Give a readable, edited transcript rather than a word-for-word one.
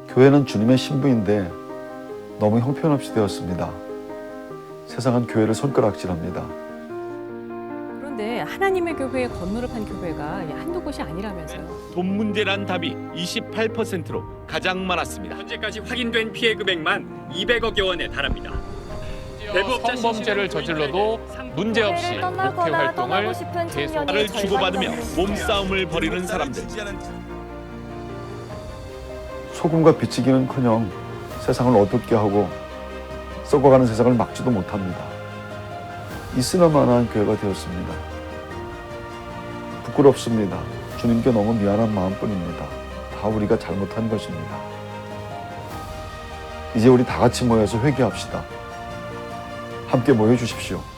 교회는 주님의 신부인데 너무 형편없이 되었습니다. 세상은 교회를 손가락질합니다. 그런데 하나님의 교회에 건물을 판 교회가 한두 곳이 아니라면서요. 돈 문제란 답이 28%로 가장 많았습니다. 현재까지 확인된 피해 금액만 200억여 원에 달합니다. 성범죄를 저질러도 문제없이 목회 활동을 계속 말을 주고받으며 몸싸움을 벌이는 사람들. 소금과 비치기는커녕 세상을 어둡게 하고 썩어가는 세상을 막지도 못합니다. 있으나마나한 교회가 되었습니다. 부끄럽습니다. 주님께 너무 미안한 마음뿐입니다. 다 우리가 잘못한 것입니다. 이제 우리 다 같이 모여서 회개합시다. 함께 모여 주십시오.